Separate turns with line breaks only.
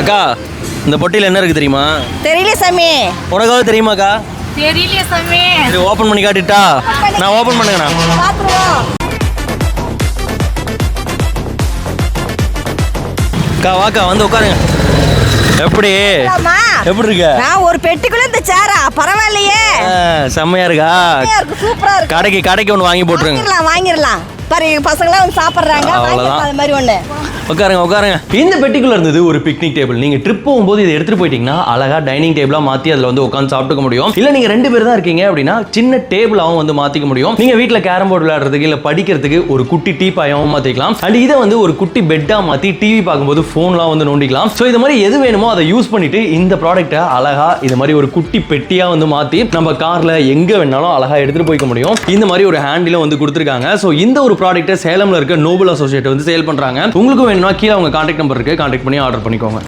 அக்கா இந்த பொட்டியில் என்ன இருக்கு தெரியுமா?
தெரியல சாமி.
உனக்காவது தெரியுமாக்கா?
தெரியல சாமி.
சரி ஓப்பன் பண்ணி காட்டிட்டா? நான் ஓப்பன் பண்ணுங்கண்ணா.
பாத்துருவோம்.
அக்கா வாக்கா வந்து உட்காருங்க. எப்படி எப்படி இருக்க?
நான் ஒரு பெட்டிக்குள்ள இந்த சேரா பரவாயில்லையே.
செம்மையா இருக்கா?
சூப்பரா இருக்கு.
கடைக்கு ஒன்று வாங்கி போட்டுருங்க.
வாங்கிடலாம் பாரு, பசங்களாம் வந்து சாப்பிட்றாங்க.
அவ்வளோதான்.
அது மாதிரி ஒன்று
உட்காருங்க. இந்த பெட்டிக்குள்ள இருந்தது ஒரு பிக்னிக் டேபிள். நீங்க ட்ரிப் போகும்போது இதை எடுத்துட்டு போயிட்டீங்கன்னா அழகா டைனிங் டேபிளா மாத்தி அதுல வந்து உட்காந்து சாப்பிட்டுக்க முடியும். இல்ல நீங்க 2 பேர் தான் இருக்கீங்க அப்படின்னா சின்ன டேபிளாவும் வந்து மாத்திக்க முடியும். நீங்க வீட்டுல கேரம் போர்டு விளையாடுறதுக்கு இல்ல படிக்கிறதுக்கு ஒரு குட்டி டீ பாயாவும் மாத்திக்கலாம். அண்ட் இதை வந்து ஒரு குட்டி பெட்டா மாத்தி டிவி பார்க்கும்போது போன்லாம் வந்து நோண்டிக்கலாம். ஸோ இது மாதிரி எது வேணுமோ அதை யூஸ் பண்ணிட்டு இந்த ப்ராடக்ட்டை அழகா இது மாதிரி ஒரு குட்டி பெட்டியா வந்து மாத்தி நம்ம கார்ல எங்க வேணாலும் அழகா எடுத்துட்டு போய்க்க முடியும். இந்த மாதிரி ஒரு ஹேண்டிலும் வந்து கொடுத்துருக்காங்க. ஸோ இந்த ஒரு ப்ராடக்ட்டை சேலம்ல இருக்க நோபல் அசோசியேட் வந்து சேல் பண்றாங்க. உங்களுக்கு வேணும்னா கீழே அவங்க கான்டாக்ட் நம்பர் இருக்கு, கான்டாக்ட் பண்ணி ஆர்டர் பண்ணிக்கோங்க.